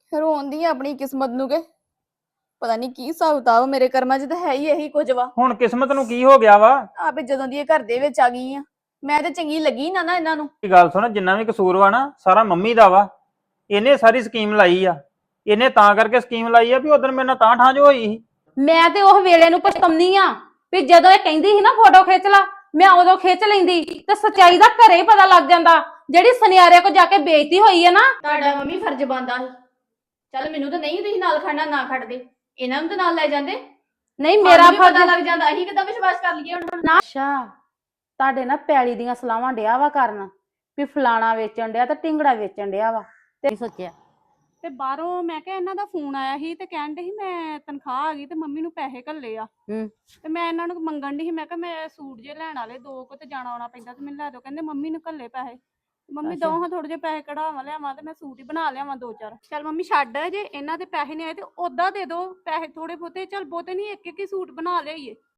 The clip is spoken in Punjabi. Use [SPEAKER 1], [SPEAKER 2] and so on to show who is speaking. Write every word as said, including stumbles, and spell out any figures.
[SPEAKER 1] ਰੋਂਦੀ ਆ ਆਪਣੀ ਕਿਸਮਤ ਨੂੰ ਕੇ ਪਤਾ ਨਹੀਂ ਕੀ ਹਿਸਾਬ ਕਿਤਾਬ ਮੇਰੇ ਕਰਮਾਂ 'ਚ ਤਾਂ ਹੈ ਹੀ ਇਹੀ ਕੁਝ ਵਾ।
[SPEAKER 2] ਹੁਣ ਕਿਸਮਤ ਨੂੰ ਕੀ ਹੋ ਗਿਆ ਵਾ?
[SPEAKER 1] ਆਪੇ ਜਦੋਂ ਦੀ ਇਹ ਘਰ ਦੇ ਵਿੱਚ ਆ ਗਈ ਆ ਮੈਂ ਤੇ ਚੰਗੀ ਲੱਗੀ ਨਾ ਨਾ ਇਹਨਾਂ ਨੂੰ।
[SPEAKER 2] ਇਹ ਗੱਲ ਸੁਣ, ਜਿੰਨਾ ਵੀ ਕਸੂਰ ਵਾ ਨਾ ਸਾਰਾ ਮੰਮੀ ਦਾ ਵਾ। ਇਹਨੇ ਸਾਰੀ ਸਕੀਮ ਲਾਈ ਆ। ਇਹਨੇ ਤਾਂ ਕਰਕੇ ਸਕੀਮ ਲਾਈ ਆ ਵੀ ਉਦੋਂ ਮੇਰੇ ਨਾਲ ਤਾਂ ਠਾਂ ਜੋ ਹੋਈ ਸੀ।
[SPEAKER 3] ਮੈਂ ਤੇ ਉਹ ਵੇਲੇ ਨੂੰ ਪਛਤਾਉਂਦੀ ਆ ਵੀ ਜਦੋਂ ਇਹ ਕਹਿੰਦੀ ਸੀ ਨਾ ਫੋਟੋ ਖਿੱਚ ਲਾ, ਮੈਂ ਉਦੋਂ ਖਿੱਚ ਲੈਂਦੀ ਤੇ ਸੱਚਾਈ ਦਾ ਘਰੇ ਹੀ ਪਤਾ ਲੱਗ ਜਾਂਦਾ। ਜਿਹੜੀ ਸੁਨਿਆਰੇ ਕੋ ਜਾ ਕੇ ਬੇਇੱਜ਼ਤੀ ਹੋਈ ਹੈ ਨਾ।
[SPEAKER 1] ਤੁਹਾਡਾ ਮੰਮੀ ਫਰਜ਼ ਬਣਦਾ ਸੀ। ਚੱਲ ਮੈਨੂੰ ਤਾਂ ਨਹੀਂ ਤੁਸੀਂ ਨਾਲ ਖੜਨਾ ਨਾ ਖੜਦੇ, ਇਹਨਾਂ ਨੂੰ ਤਾਂ ਨਾਲ ਲੈ ਜਾਂਦੇ।
[SPEAKER 3] ਨਹੀਂ ਮੇਰਾ
[SPEAKER 1] ਪਤਾ
[SPEAKER 3] ਫਰਜ਼
[SPEAKER 1] ਲੱਗ ਜਾਂਦਾ ਅਸੀਂ ਕਿੱਦਾਂ ਵਿਸ਼ਵਾਸ ਕਰ ਲਈਏ ਹੁਣ।
[SPEAKER 3] ਨਾ ਅੱਛਾ ਤੁਹਾਡੇ ਨਾ ਪੈਲੀ ਦੀਆਂ ਸਲਾਵਾਂ ਡਿਆ ਵਾ ਕਰਨ ਵੀ ਫਲਾਣਾ ਵੇਚਣ ਡਿਆ ਤੇ ਢਿੰਗੜਾ ਵੇਚਣ ਡਿਆ ਵਾ ਤੇ ਸੋਚਿਆ
[SPEAKER 4] ਤੇ ਬਾਹਰੋਂ ਮੈਂ ਕਿਹਾ ਇਹਨਾਂ ਦਾ ਫੋਨ ਆਇਆ ਸੀ ਤੇ ਕਹਿਣ ਦੇ ਸੀ ਮੈਂ ਤਨਖਾਹ ਆ ਗਈ ਤੇ ਮੰਮੀ ਨੂੰ ਪੈਸੇ ਘੱਲੇ ਆ।
[SPEAKER 3] ਹੂੰ
[SPEAKER 4] ਤੇ ਮੈਂ ਇਹਨਾਂ ਨੂੰ ਮੰਗਣ ਦੀ ਸੀ, ਮੈਂ ਕਿਹਾ ਮੈਂ ਸੂਟ ਜੇ ਲੈਣ ਵਾਲੇ ਦੋ ਕੁ ਤੇ ਜਾਣਾ ਆਉਣਾ ਪੈਂਦਾ ਤੇ ਮੈਨੂੰ ਲੈ ਦਿਓ। ਕਹਿੰਦੇ ਮੰਮੀ ਨੂੰ ਘੱਲੇ ਪੈਸੇ। ਮੰਮੀ ਦੋ ਹਾਂ ਥੋੜੇ ਜਿਹੇ ਪੈਸੇ ਕਢਾਵਾਂ ਲਿਆਵਾਂ ਤੇ ਮੈਂ ਸੂਟ ਹੀ ਬਣਾ ਲਿਆਵਾਂ ਦੋ ਚਾਰ। ਚੱਲ ਮੰਮੀ ਛੱਡ, ਜੇ ਇਹਨਾਂ ਦੇ ਪੈਸੇ ਨਹੀਂ ਆਏ ਤੇ ਓਦਾਂ ਦੇ ਦੋ ਪੈਸੇ ਥੋੜੇ ਬਹੁਤੇ। ਚੱਲ ਬਹੁਤੇ ਨਹੀਂ, ਇੱਕ ਇੱਕ ਹੀ ਸੂਟ ਬਣਾ ਲਿਆਈਏ।